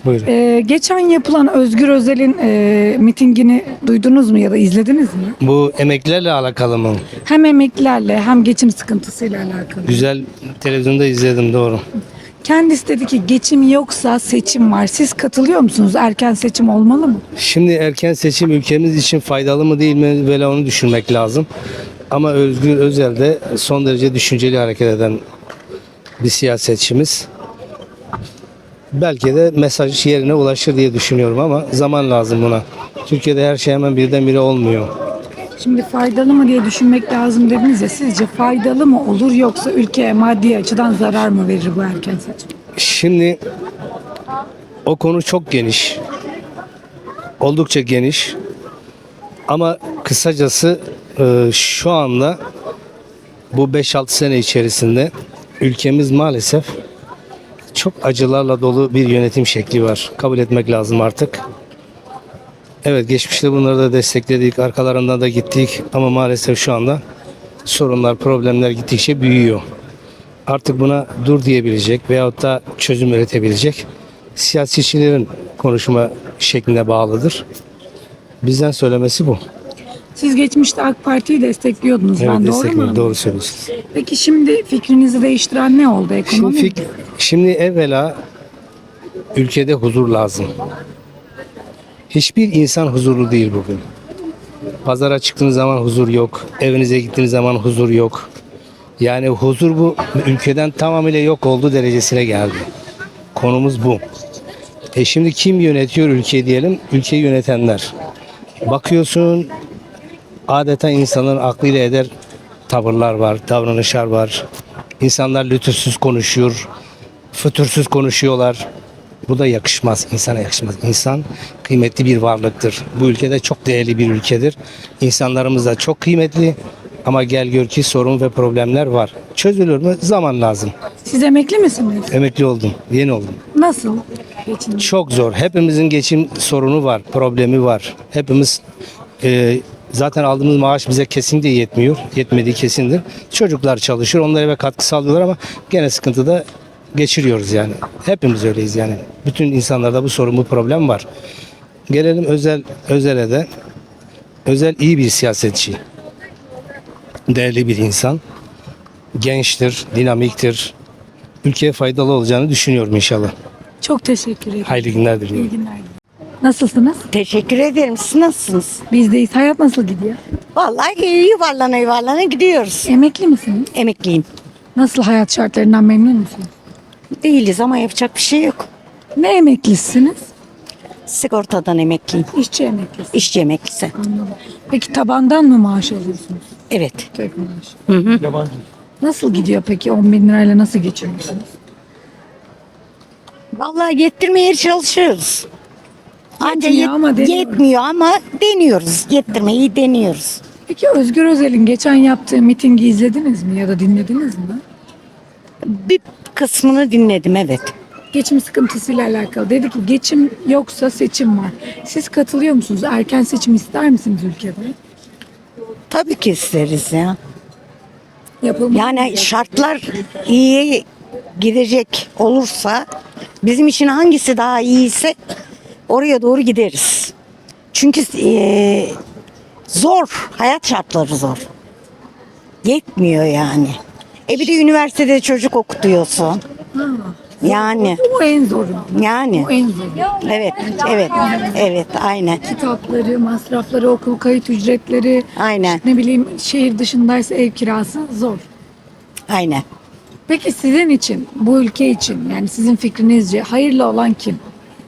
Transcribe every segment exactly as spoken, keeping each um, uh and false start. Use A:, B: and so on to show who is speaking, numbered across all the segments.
A: Buyurun.
B: Ee, geçen yapılan Özgür Özel'in e, mitingini duydunuz mu ya da izlediniz mi?
A: Bu emeklilerle alakalı mı?
B: Hem emeklilerle hem geçim sıkıntısıyla alakalı.
A: Güzel, televizyonda izledim, doğru.
B: Kendisi dedi ki geçim yoksa seçim var. Siz katılıyor musunuz? Erken seçim olmalı mı?
A: Şimdi erken seçim ülkemiz için faydalı mı değil mi, böyle onu düşünmek lazım. Ama Özgür Özel de son derece düşünceli hareket eden bir siyasetçimiz. Belki de mesaj yerine ulaşır diye düşünüyorum ama zaman lazım buna. Türkiye'de her şey hemen birdenbire olmuyor.
B: Şimdi faydalı mı diye düşünmek lazım dediniz ya. Sizce faydalı mı olur yoksa ülkeye maddi açıdan zarar mı verir bu erken seçim?
A: Şimdi o konu çok geniş. Oldukça geniş. Ama kısacası e, şu anda bu beş altı sene içerisinde ülkemiz maalesef çok acılarla dolu bir yönetim şekli var. Kabul etmek lazım artık. Evet, geçmişte bunları da destekledik, arkalarından da gittik ama maalesef şu anda sorunlar, problemler gittikçe büyüyor. Artık buna dur diyebilecek veyahut da çözüm üretebilecek siyasetçilerin konuşma şekline bağlıdır. Bizden söylemesi bu.
B: Siz geçmişte AK Parti'yi destekliyordunuz.
A: Evet,
B: ben doğru
A: destekliyorum,
B: mu?
A: doğru söylüyorsunuz.
B: Peki şimdi fikrinizi değiştiren ne oldu? Ekonomi
A: Şimdi,
B: mi?
A: fik- şimdi evvela ülkede huzur lazım. Hiçbir insan huzurlu değil bugün. Pazara çıktığınız zaman huzur yok. Evinize gittiğiniz zaman huzur yok. Yani huzur bu ülkeden tamamıyla yok olduğu derecesine geldi. Konumuz bu. E şimdi kim yönetiyor ülkeyi diyelim? Ülkeyi yönetenler. Bakıyorsun adeta insanların aklıyla eder tavırlar var, davranışlar var. İnsanlar lütufsuz konuşuyor, fütursuz konuşuyorlar. Bu da yakışmaz, insana yakışmaz. İnsan kıymetli bir varlıktır. Bu ülkede çok değerli bir ülkedir. İnsanlarımız da çok kıymetli ama gel gör ki sorun ve problemler var. Çözülür mü? Zaman lazım.
B: Siz emekli misiniz?
A: Emekli oldum, yeni oldum.
B: Nasıl? Geçin.
A: Çok zor. Hepimizin geçim sorunu var, problemi var. Hepimiz e, zaten aldığımız maaş bize kesinlikle yetmiyor. Yetmediği kesindir. Çocuklar çalışıyor, onlar eve katkı sağlıyorlar ama gene sıkıntıda geçiriyoruz yani. Hepimiz öyleyiz yani. Bütün insanlarda bu sorun, bu problem var. Gelelim özel özele de. Özel iyi bir siyasetçi. Değerli bir insan. Gençtir, dinamiktir. Ülkeye faydalı olacağını düşünüyorum inşallah.
B: Çok teşekkür ederim.
A: Hayırlı günler diliyorum.
B: İyi günler. Nasılsınız?
C: Teşekkür ederim. Siz nasılsınız?
B: Bizdeyiz. Hayat nasıl gidiyor?
C: Vallahi iyi, yuvarlana yuvarlana gidiyoruz.
B: Emekli misiniz?
C: Emekliyim.
B: Nasıl, hayat şartlarından memnun musunuz?
C: Değiliz ama yapacak bir şey yok.
B: Ne emeklisiniz?
C: Sigortadan emekliyim.
B: İşçi emeklisi.
C: İşçi emeklisi.
B: Anladım. Peki tabandan mı maaş alıyorsunuz?
C: Evet.
B: Tek maaş. Nasıl gidiyor peki? on bin lirayla nasıl geçiniyorsunuz?
C: Vallahi yettirmeye çalışıyoruz. Anca
B: Yetmiyor ama deniyoruz.
C: yetmiyor ama deniyoruz. Yettirmeyi deniyoruz.
B: Peki Özgür Özel'in geçen yaptığı mitingi izlediniz mi ya da dinlediniz mi?
C: Bir kısmını dinledim, evet.
B: Geçim sıkıntısıyla alakalı. Dedi ki geçim yoksa seçim var. Siz katılıyor musunuz? Erken seçim ister misiniz ülkede?
C: Tabii ki isteriz ya.
B: Yapılmalı
C: Yani
B: mı?
C: şartlar iyiye gidecek olursa, bizim için hangisi daha iyiyse oraya doğru gideriz. Çünkü eee, zor, hayat şartları zor. Yetmiyor yani. E bir de üniversitede çocuk okutuyorsun. Yani,
B: O en zoru.
C: yani.
B: O en zoru.
C: Evet, evet, evet, aynen.
B: Kitapları, masrafları, okul kayıt ücretleri,
C: Aynen.
B: ne bileyim şehir dışındaysa ev kirası zor.
C: Aynen.
B: Peki sizin için, bu ülke için, yani sizin fikrinizce hayırlı olan kim?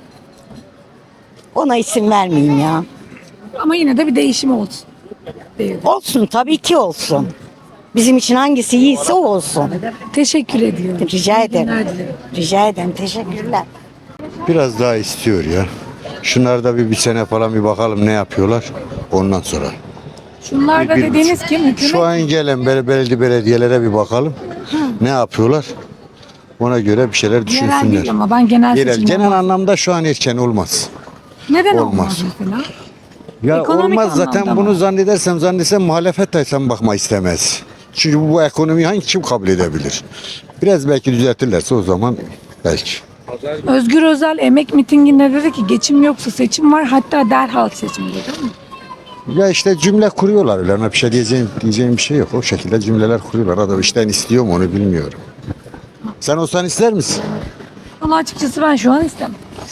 C: Ona isim vermeyeyim ya.
B: Ama yine de bir değişim olsun. Değil.
C: Olsun, tabii ki olsun. Bizim için hangisi iyiyse o olsun.
B: Teşekkür ediyorum.
C: Rica
B: İyi
C: ederim.
B: günler dilerim.
C: Rica ederim, teşekkürler.
D: Biraz daha istiyor ya. Şunlar da bir, bir sene falan bir bakalım ne yapıyorlar. Ondan sonra.
B: Şunlar da
D: Bir-
B: dediğiniz kim? Hükümet.
D: Şu an gelen bel- belediye belediyelere bir bakalım. Ne yapıyorlar? Ona göre bir şeyler
B: Yerel
D: düşünsünler.
B: değil ama ben genel
D: Genel,
B: seçimden
D: genel
B: bahsediyorum.
D: anlamda şu an erken olmaz.
B: Neden
D: olmaz.
B: olmaz mesela?
D: Ya
B: Ekonomik
D: olmaz zaten
B: anlamda
D: bunu
B: mı?
D: zannedersem zannedersem muhalefet de sen bakma istemez. Çünkü bu, bu ekonomiyi hangi kim kabul edebilir? Biraz belki düzeltirlerse o zaman belki.
B: Özgür Özel emek mitinginde dedi ki geçim yoksa seçim var, hatta derhal seçim dedi, değil mi?
D: Ya işte cümle kuruyorlar öyle. Ona bir şey diyeceğim, diyeceğim bir şey yok. O şekilde cümleler kuruyorlar. Adam işten istiyor mu onu bilmiyorum. Sen olsan ister misin?
B: Ama açıkçası ben şu an istemem.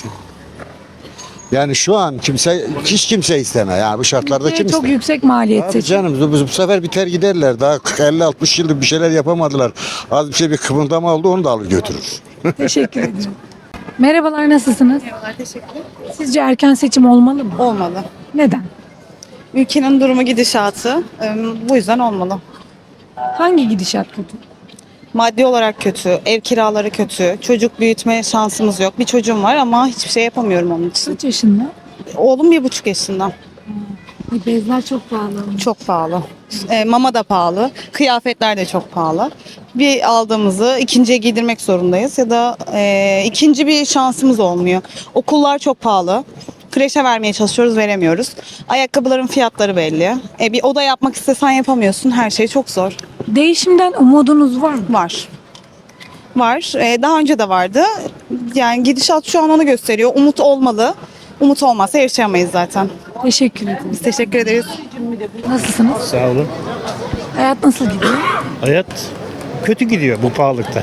D: Yani şu an kimse, hiç kimse isteme. Yani bu şartlarda kim
B: Ülkeye çok
D: ister?
B: yüksek maliyet
D: Abi
B: seçim.
D: canım bu, bu sefer biter giderler. Daha elli altmış yıldır bir şeyler yapamadılar. Az bir şey bir kıvıldama oldu onu da alır götürür.
B: Teşekkür ederim. Merhabalar, nasılsınız?
E: Merhabalar, teşekkür.
B: Sizce erken seçim olmalı mı?
E: Olmalı.
B: Neden?
E: Ülkenin durumu, gidişatı e, bu yüzden olmalı.
B: Hangi gidişat kötü?
E: Maddi olarak kötü, ev kiraları kötü, çocuk büyütme şansımız yok. Bir çocuğum var ama hiçbir şey yapamıyorum onun için.
B: Kaç yaşında?
E: Oğlum bir buçuk yaşında.
B: Ay, bezler çok pahalı.
E: Çok pahalı. E, mama da pahalı, kıyafetler de çok pahalı. Bir aldığımızı ikinciye giydirmek zorundayız ya da e, ikinci bir şansımız olmuyor. Okullar çok pahalı. Kreşe vermeye çalışıyoruz, veremiyoruz. Ayakkabıların fiyatları belli. E, bir oda yapmak istesen yapamıyorsun. Her şey çok zor.
B: Değişimden umudunuz var mı?
E: Var. Var. Ee, daha önce de vardı. Yani gidişat şu an onu gösteriyor. Umut olmalı. Umut olmazsa yaşayamayız zaten.
B: Teşekkür ederim.
E: Biz teşekkür ederiz.
B: Nasılsınız?
F: Sağ olun.
B: Hayat nasıl gidiyor?
F: Hayat kötü gidiyor bu pahalılıkta.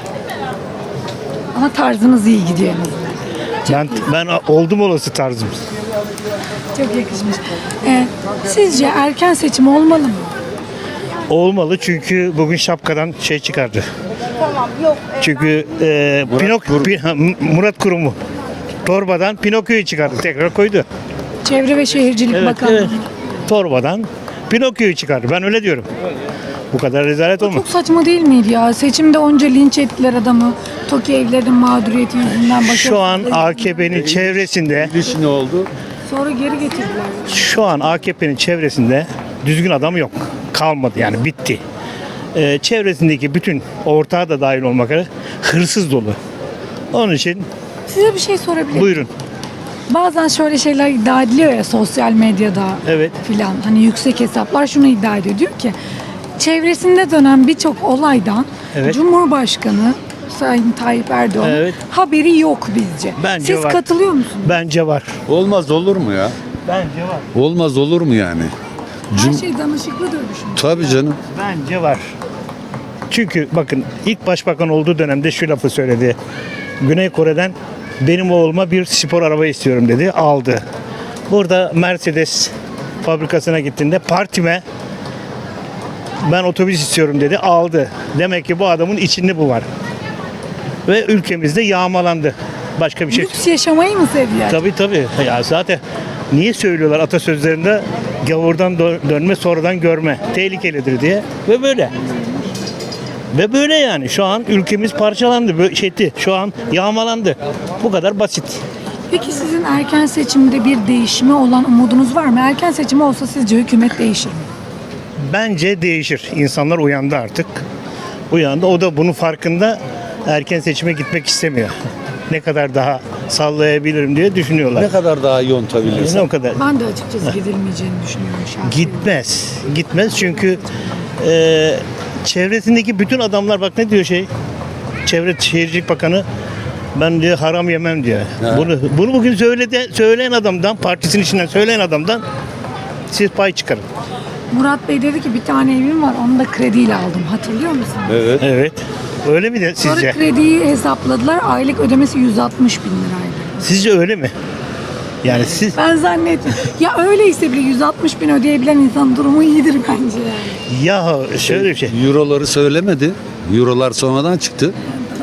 B: Ama tarzınız iyi gidiyor en azından.
F: Ben ben oldum olası tarzım.
B: Çok yakışmış. Ee, sizce erken seçim olmalı mı?
F: Olmalı çünkü bugün şapkadan şey çıkardı. Çünkü e, Pinok, Pi- ha, Murat Kurumu torbadan Pinokyo'yu çıkardı. Tekrar koydu.
B: Çevre ve Şehircilik
F: Evet,
B: Bakanlığı.
F: evet. Torbadan Pinokyo'yu çıkardı. Ben öyle diyorum. Bu kadar rezalet olmaz.
B: Çok saçma değil miydi ya? Seçimde onca linç ettiler adamı. TOKİ evlerinin mağduriyeti yüzünden.
F: Şu an
B: başarısızlığı
F: A K P'nin çevresinde
G: ne oldu?
B: Sonra geri getirdiler.
F: Şu an A K P'nin çevresinde düzgün adam yok. Kalmadı yani bitti. Ee, çevresindeki bütün ortağı da dahil olmak üzere hırsız dolu. Onun için
B: Size bir şey sorabilir miyim?
F: buyurun.
B: Bazen şöyle şeyler iddia ediliyor ya sosyal medyada
F: Evet.
B: filan. Hani yüksek hesaplar şunu iddia ediyor. Diyor ki çevresinde dönen birçok olaydan
F: Evet.
B: Cumhurbaşkanı Sayın Tayyip Erdoğan
F: Evet.
B: haberi yok bizce.
F: Bence
B: Siz
F: var.
B: katılıyor musunuz?
F: Bence var.
G: Olmaz olur mu ya?
F: Bence var.
G: Olmaz olur mu yani?
B: Her şey danışıklı dönüşüm.
G: Tabii canım.
F: Bence var. Çünkü bakın ilk başbakan olduğu dönemde şu lafı söyledi. Güney Kore'den benim oğluma bir spor araba istiyorum dedi. Aldı. Burada Mercedes fabrikasına gittiğinde partime ben otobüs istiyorum dedi. Aldı. Demek ki bu adamın içinde bu var. Ve ülkemizde yağmalandı. Başka bir şey.
B: Lüks yaşamayı mı seviyor?
F: Tabii tabii. Ya zaten niye söylüyorlar atasözlerinde gavurdan dö- dönme sonradan görme tehlikelidir diye ve böyle. Ve böyle yani şu an ülkemiz parçalandı, böyle şeydi. Şu an yağmalandı. Bu kadar basit.
B: Peki sizin erken seçimde bir değişime olan umudunuz var mı? Erken seçim olsa sizce hükümet değişir mi?
F: Bence değişir. İnsanlar uyandı artık. Uyandı. O da bunun farkında, erken seçime gitmek istemiyor. Ne kadar daha sallayabilirim diye düşünüyorlar.
G: Ne kadar daha yontabilirsin?
F: Ne o kadar.
B: Ben de açıkçası gidilmeyeceğini düşünüyorum şahsen.
F: Gitmez. Gitmez çünkü e, çevresindeki bütün adamlar bak ne diyor şey. Çevre Şehircilik Bakanı ben diyor haram yemem diyor. Bunu bunu bugün söyledi, söyleyen adamdan, partisinin içinden söyleyen adamdan siz pay çıkarın.
B: Murat Bey dedi ki bir tane evim var, onu da krediyle aldım. Hatırlıyor musun?
G: Evet.
F: Evet. Öyle mi de
B: Sonra
F: sizce?
B: krediyi hesapladılar. Aylık ödemesi yüz altmış bin liraydı.
F: Sizce öyle mi? Yani siz
B: Ben zannetmiyorum. Ya öyleyse bile yüz altmış bin ödeyebilen insanın durumu iyidir bence yani.
F: ya şöyle bir şey.
G: Euroları söylemedi. Eurolar sonradan çıktı.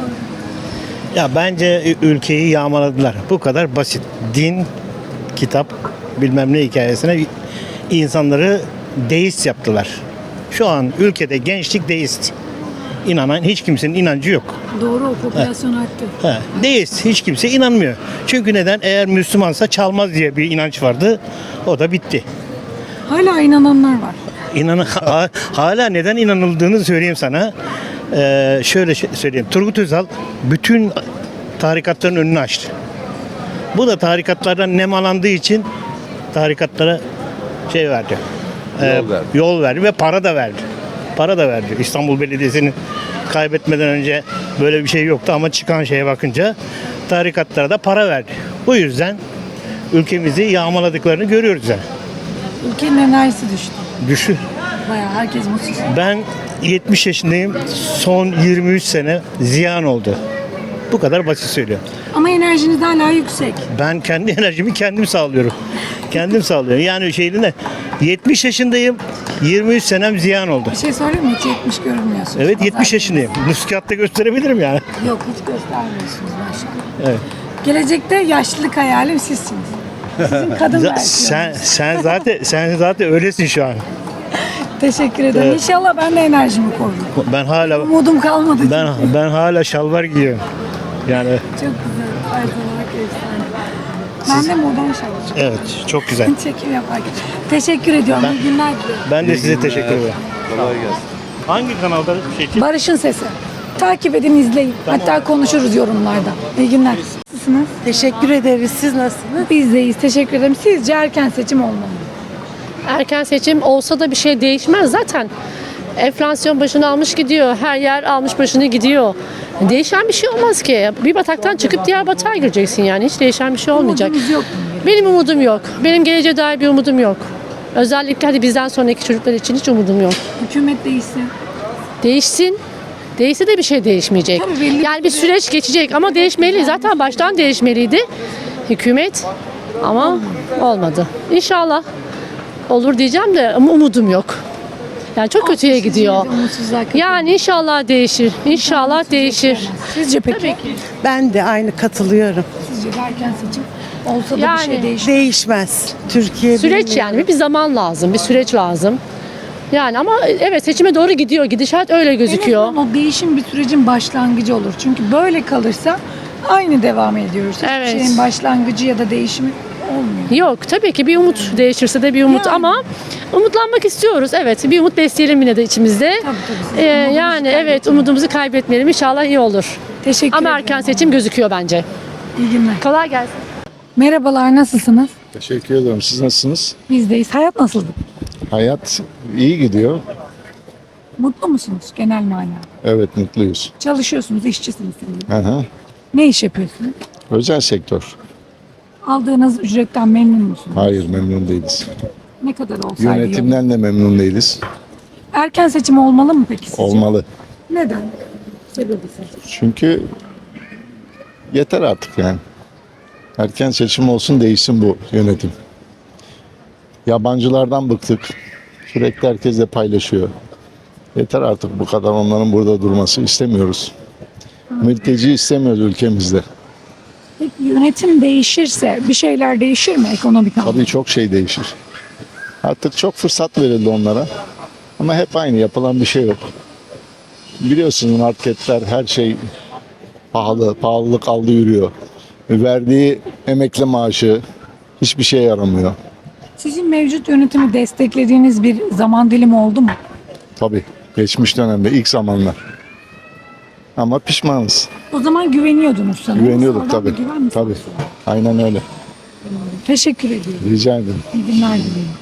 F: Ya bence ülkeyi yağmaladılar. Bu kadar basit. Din, kitap, bilmem ne hikayesine insanları deist yaptılar. Şu an ülkede gençlik deist. İnanan hiç kimsenin inancı yok.
B: Doğru, o popülasyon arttı.
F: Ha, deist. Hiç kimse inanmıyor. Çünkü neden? Eğer Müslümansa çalmaz diye bir inanç vardı. O da bitti.
B: Hala inananlar var.
F: İnan ha- hala neden inanıldığını söyleyeyim sana. Ee, şöyle şey- söyleyeyim. Turgut Özal bütün tarikatların önünü açtı. Bu da tarikatlardan nemalandığı için tarikatlara şey verdi. Ee,
G: Yol verdi.
F: Yol verdi ve para da verdi. Para da verdi. İstanbul Belediyesi'nin kaybetmeden önce böyle bir şey yoktu ama çıkan şeye bakınca tarikatlara da para verdi. Bu yüzden ülkemizi yağmaladıklarını görüyoruz yani.
B: Ülkenin enerjisi düştü.
F: Düşün.
B: Bayağı herkes mutsuz.
F: Ben yetmiş yaşındayım. Son yirmi üç sene ziyan oldu. Bu kadar basit söylüyorum.
B: Ama enerjiniz hala yüksek.
F: Ben kendi enerjimi kendim sağlıyorum. Kendim sağlıyorum. Yani şeyde ne? yetmiş yaşındayım. yirmi üç senem ziyan oldu.
B: Bir şey söyleyeyim mi? Hiç yetmiş görünmüyorsunuz.
F: Evet yetmiş
B: Pazar
F: yaşındayım. Nüskatta gösterebilirim yani.
B: günü. Yok hiç göstermiyorsunuz maşallah.
F: Evet.
B: Gelecekte yaşlılık hayalim sizsiniz. Sizin kadın
F: Za-
B: versiyonunuz.
F: sen sen zaten sen zaten öylesin şu an.
B: Teşekkür ederim.
F: Evet.
B: İnşallah ben de enerjimi korurum.
F: Ben hala
B: Umudum kalmadı.
F: ben ben hala şalvar giyiyorum. Yani
B: Çok güzel. Her zaman efsane. Ben de modern çalışıyorum.
F: evet çok güzel.
B: Çekim yaparken. Teşekkür ediyorum. İyi günler diliyorum.
F: Ben de size teşekkür ederim.
G: Kolay gelsin.
F: Hangi kanalda şey için?
B: Barış'ın Sesi. Takip edin, izleyin. Hatta konuşuruz yorumlarda. İyi günler. Nasılsınız?
H: Teşekkür ederiz. Siz nasılsınız?
B: Biz deyiz. Teşekkür ederim. Sizce erken seçim olmalı mı?
I: Erken seçim olsa da bir şey değişmez zaten. Enflasyon başını almış gidiyor. Her yer almış başını gidiyor. Değişen bir şey olmaz ki. Bir bataktan çıkıp diğer batağa gireceksin yani. Hiç değişen bir şey olmayacak.
B: Umudunuz yok mu?
I: Benim umudum yok. Benim geleceğe dair bir umudum yok. Özellikle hadi bizden sonraki çocuklar için hiç umudum yok.
B: Hükümet değişsin.
I: Değişsin. Değişse de bir şey değişmeyecek.
B: Tabii belli
I: Yani bir süreç geçecek ama değişmeli. Zaten baştan değişmeliydi hükümet. Ama olmadı. İnşallah olur diyeceğim de ama umudum yok. Yani çok kötüye
B: Siz
I: gidiyor.
B: yine de umutsuzluğa kapılın.
I: Yani inşallah değişir. İnşallah değişir.
B: Sizce peki?
I: Tabii ki.
H: Ben de aynı katılıyorum.
B: Sizce de erken seçim olsa da
I: Yani-
B: bir şey değişir.
H: Değişmez. Türkiye
I: Süreç
H: bilmiyorum.
I: yani bir zaman lazım, bir süreç lazım. Yani ama evet seçime doğru gidiyor. Gidişat öyle gözüküyor.
B: En azından o değişim bir sürecin başlangıcı olur. Çünkü böyle kalırsa aynı devam ediyoruz. Hiçbir
I: Evet.
B: şeyin başlangıcı ya da değişimi olmuyor.
I: Yok tabii ki bir umut değişirse de bir umut
B: Yani.
I: ama umutlanmak istiyoruz. Evet bir umut besleyelim yine de içimizde.
B: Tabii, tabii.
I: Ee,
B: Umudumuzu
I: yani evet
B: kaybetmeyelim.
I: umudumuzu kaybetmeyelim. İnşallah iyi olur.
B: Teşekkür
I: Ama
B: ederim.
I: erken seçim gözüküyor bence.
B: İyi günler.
I: Kolay gelsin.
B: Merhabalar, nasılsınız?
J: Teşekkür ederim. Siz nasılsınız?
B: Bizdeyiz. Hayat nasıldı?
J: Hayat iyi gidiyor.
B: Mutlu musunuz genel manada?
J: Evet mutluyuz.
B: Çalışıyorsunuz, işçisiniz. sanırım.
J: Hı hı.
B: Ne iş yapıyorsunuz?
J: Özel sektör.
B: Aldığınız ücretten memnun musunuz?
J: Hayır memnun değiliz.
B: Ne kadar olsaydı iyi olur.
J: Yönetimden de memnun değiliz.
B: Erken seçim olmalı mı peki sizce?
J: Olmalı.
B: Neden? Sebebi sizce?
J: Çünkü yeter artık yani. Erken seçim olsun değişsin bu yönetim. Yabancılardan bıktık. Sürekli herkesle paylaşıyor. Yeter artık bu kadar onların burada durması istemiyoruz. Mülteci istemiyoruz ülkemizde.
B: Peki yönetim değişirse bir şeyler değişir mi ekonomik anlamda?
J: Tabii çok şey değişir. Artık çok fırsat verildi onlara. Ama hep aynı yapılan bir şey yok. Biliyorsunuz marketler her şey pahalı, pahalılık aldı yürüyor. Verdiği emekli maaşı hiçbir şeye yaramıyor.
B: Sizin mevcut yönetimi desteklediğiniz bir zaman dilimi oldu mu?
J: Tabii geçmiş dönemde ilk zamanlar. Ama pişmanız.
B: O zaman güveniyordunuz sanırım.
J: Güveniyorduk
B: Sonradan
J: tabii.
B: bir güven mi
J: Tabii.
B: sarsıldı?
J: Aynen öyle.
B: Teşekkür ediyorum.
J: Rica ederim.
B: İyi günler dilerim.